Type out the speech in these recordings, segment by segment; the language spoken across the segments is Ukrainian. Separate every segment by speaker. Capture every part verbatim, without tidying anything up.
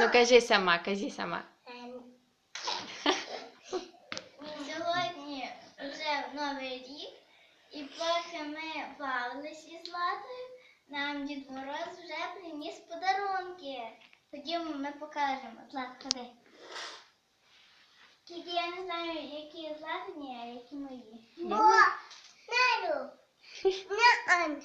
Speaker 1: Ну кажи сама, кажи сама.
Speaker 2: Сьогодні вже Новий рік, і поки ми бавились із Златою, нам Дід Мороз вже приніс подарунки. Ходімо, ми покажемо. Злат, ходи. Тільки я не знаю, які Златині, а які мої. О, Надю! Не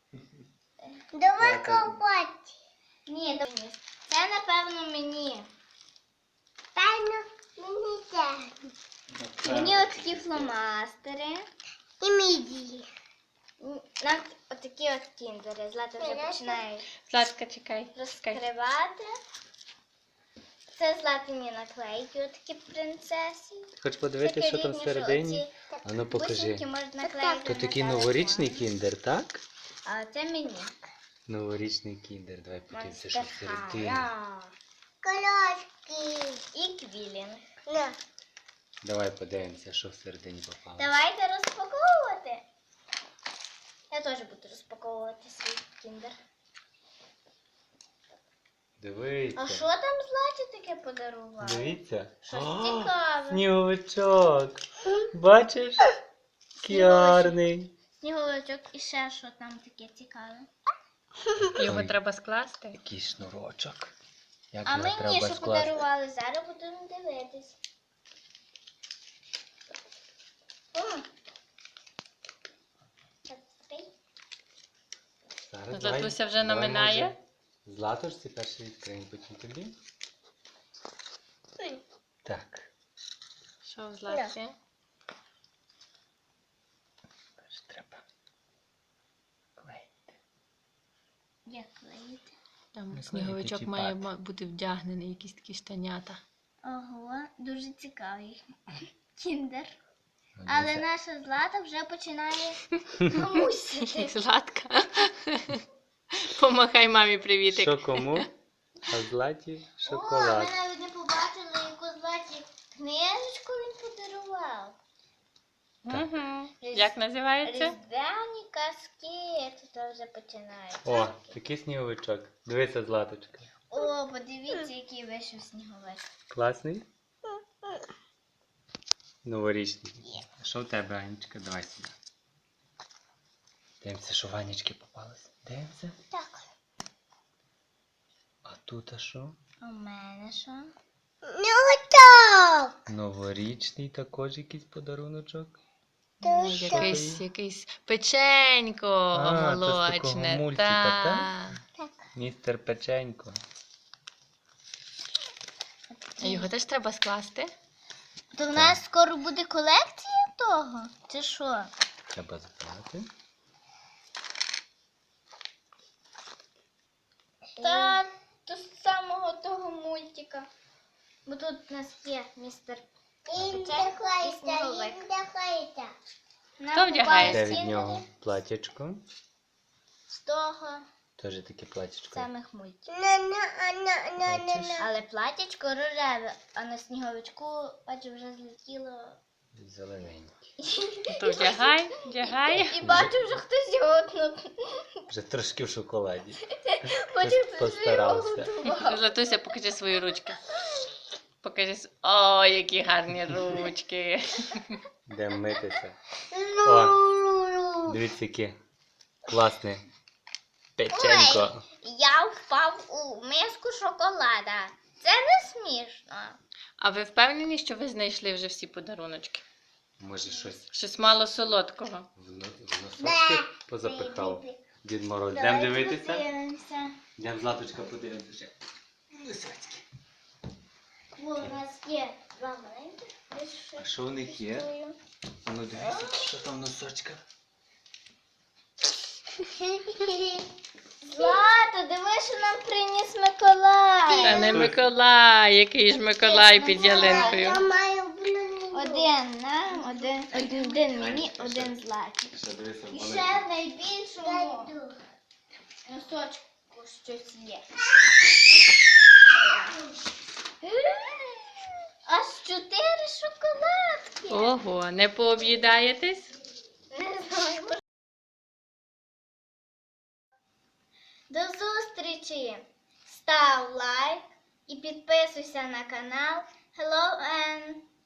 Speaker 2: Давай копати. Ні, давай. Це, напевно, мені. Певно, мені це. Мені отакі фломастери. І міді. Нам отакі от кіндери. Злата вже починає
Speaker 1: Златка, чекай.
Speaker 2: розкривати. Це Златині наклейки, отакі принцеси.
Speaker 3: Хоч подивитися, що там всередині? А ну покажи. То такий новорічний кіндер, так?
Speaker 2: А це мені.
Speaker 3: Новорічний кіндер. Давай подивимося, що всередині.
Speaker 2: Колоски. І квілінг.
Speaker 3: Давай подивимося, що всередині попало.
Speaker 2: Давайте розпаковувати. Я теж буду розпаковувати свій кіндер.
Speaker 3: Дивіться.
Speaker 2: А що там Златі таке подарували?
Speaker 3: Дивіться.
Speaker 2: Щось
Speaker 3: О,
Speaker 2: цікаве.
Speaker 3: сніговичок. Бачиш? Кіарний.
Speaker 2: Сніговичок і ще що там таке цікаве.
Speaker 1: Його
Speaker 3: Ой.
Speaker 1: треба скласти.
Speaker 3: Який шнурочок. Як
Speaker 2: А
Speaker 3: його
Speaker 2: мені
Speaker 3: треба
Speaker 2: що
Speaker 3: скласти?
Speaker 2: подарували, зараз будемо дивитись. О! Так, окей.
Speaker 3: Зараз
Speaker 1: Златуся
Speaker 3: давай-
Speaker 1: вже
Speaker 3: давай,
Speaker 1: наминає.
Speaker 3: може, Златушці перший відкриємо, потім тобі. Так.
Speaker 1: Що в Златці?
Speaker 3: Перш треба клеїти.
Speaker 2: Як клеїти?
Speaker 1: Там
Speaker 3: Наклеїти
Speaker 1: сніговичок
Speaker 3: чи
Speaker 1: має
Speaker 3: пад?
Speaker 1: ма- бути вдягнений, якісь такі штанята.
Speaker 2: Ого, дуже цікавий кіндер.
Speaker 3: Ну,
Speaker 2: Але
Speaker 3: дивися.
Speaker 2: наша Злата вже починає мусити.
Speaker 1: Златка. Помахай мамі привітик.
Speaker 3: Що кому? А Златі
Speaker 2: О,
Speaker 3: шоколад.
Speaker 2: ми навіть не побачили, яку Златі книжечку він подарував.
Speaker 1: Угу. Як називається?
Speaker 2: Різдвяні казки. Тут вже починається.
Speaker 3: О, такий сніговичок. Дивися, Златочка.
Speaker 2: О, подивіться, який вийшов сніговик.
Speaker 3: Класний? Новорічний. А що в тебе, Анечка? Давай сюди. Дивимося, що Ванечки попалось. Дивимося.
Speaker 2: Так.
Speaker 3: А тут а що?
Speaker 2: У мене що? Ну так.
Speaker 3: Новорічний також якийсь подаруночок.
Speaker 1: Ну, Якийсь, якийсь печенько
Speaker 3: А, це з такого
Speaker 1: молочне.
Speaker 3: мультика,
Speaker 1: Та.
Speaker 2: Так.
Speaker 3: Містер Печенько.
Speaker 1: А його теж треба скласти?
Speaker 2: То в нас скоро буде колекція того? Чи що?
Speaker 3: Треба запалити.
Speaker 2: Та то з самого того мультика. Бо тут у нас є містер Печенько і сніговик.
Speaker 1: Хто вдягає?
Speaker 3: Де від нього платячко.
Speaker 2: З того
Speaker 3: Теж таке платячко.
Speaker 2: самих мультиків.
Speaker 3: Бачиш?
Speaker 2: Але платячко рожеве, а на сніговичку, бачу, вже злетіло.
Speaker 3: Зелененький.
Speaker 1: То вдягай, вдягай.
Speaker 2: І бачу, вже хтось його отнув.
Speaker 3: Вже трошки в шоколаді.
Speaker 2: Бачу,
Speaker 3: Хтось
Speaker 2: хтось вже його
Speaker 3: постарався.
Speaker 2: готував.
Speaker 1: Златуся, покажи свої ручки. Покажи. с- О, які гарні ручки.
Speaker 3: Йдемо митися. О, дивіться, яке класне печенько.
Speaker 2: Я впав у миску шоколада. Це не смішно.
Speaker 1: А ви впевнені, що ви знайшли вже всі подаруночки?
Speaker 3: Може щось
Speaker 1: Щось мало солодкого.
Speaker 3: в но- в носочки позапихав. Дід Мороз. Йдемо дивитися?
Speaker 2: Подивимося.
Speaker 3: Йдемо, Златочка, подивимося ще. Носочки.
Speaker 2: О, у нас є два маленьких.
Speaker 3: А що в них є? А ну дивіться, що там в носочках.
Speaker 2: Злато, диви, що нам приніс Миколай.
Speaker 1: Та не Миколай, який ж Миколай під ялинкою.
Speaker 2: Один нам, один, один, один мені, один Златі.
Speaker 3: Ще дивися,
Speaker 2: І
Speaker 3: вони-
Speaker 2: ще в найбільшому носочку щось є. Аж чотири шоколадки.
Speaker 1: Ого, не пооб'їдаєтесь?
Speaker 2: Не знаю. До зустрічі! Став лайк, і підписуйся на канал Hello N.